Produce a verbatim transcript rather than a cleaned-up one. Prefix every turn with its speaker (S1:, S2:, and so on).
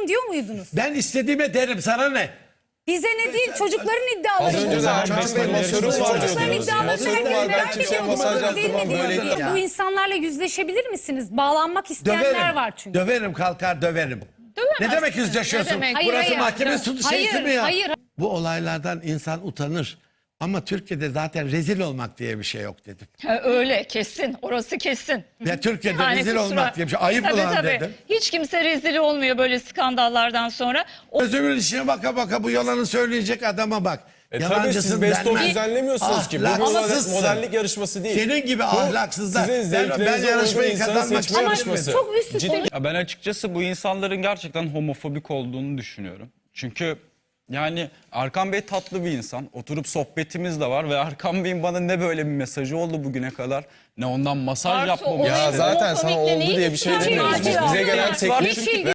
S1: yapın diyor muydunuz?
S2: Ben istediğime derim, sana ne?
S1: Bize ne değil, çocukların iddiaları.
S3: Az önce de Erkan Bey masörüm var
S1: Çocukların
S3: diyordunuz.
S1: iddialarını
S3: Masörüm
S1: herkes
S3: var, ben
S1: merak
S3: kimseye
S1: ediyor.
S3: masaj
S1: Değil mi,
S3: yaptırmam,
S1: değil mi?
S3: böyle
S1: Değil.
S2: Ya.
S1: Bu insanlarla yüzleşebilir misiniz? Bağlanmak isteyenler
S2: Döverim.
S1: var çünkü.
S2: Döverim, kalkar döverim. Ne demek yüzleşiyorsun?
S4: Ne demek?
S1: Hayır,
S2: Burası
S1: hayır.
S2: mahkeme suçu şeysi
S1: Hayır,
S2: mi ya?
S1: hayır.
S2: Bu olaylardan insan utanır. Ama Türkiye'de zaten rezil olmak diye bir şey yok dedim.
S4: Ha, öyle kesin, orası kesin.
S2: Ya Türkiye'de
S4: Yani
S2: rezil
S4: kusura-
S2: olmak diye bir şey. Ayıp
S4: tabii,
S2: ulan
S4: tabii.
S2: dedim.
S4: Hiç kimse rezil olmuyor böyle skandallardan sonra. O
S2: Gözümün içine baka baka bu yalanı söyleyecek adama bak.
S3: E tabii siz best of düzenlemiyorsunuz ki. Bu bir
S2: Ahlaksızsın.
S3: modellik yarışması değil.
S2: Senin gibi
S3: Bu
S2: ahlaksızlar.
S3: Sizin
S2: Ben, ben
S3: zevklerinize
S2: yarışmayı
S3: uygun insanın
S2: kazanmak
S3: seçme
S2: için
S3: yarışması.
S1: Çok üst üste.
S3: Ciddi-
S5: Ya ben açıkçası bu insanların gerçekten homofobik olduğunu düşünüyorum. Çünkü yani Erkan Bey tatlı bir insan. Oturup sohbetimiz de var ve Erkan Bey'in bana ne böyle bir mesajı oldu bugüne kadar, ne ondan masaj
S4: Artı
S5: yapmamı.
S4: olayın
S3: Ya zaten sana
S4: homofobikle
S3: oldu
S4: neyi
S3: diye bir şey
S4: ilgisi var?
S3: demiyoruz. Biz-
S4: Hiç
S3: Bize gelen
S4: alakası var.
S3: teklif
S1: Hiç ilgisi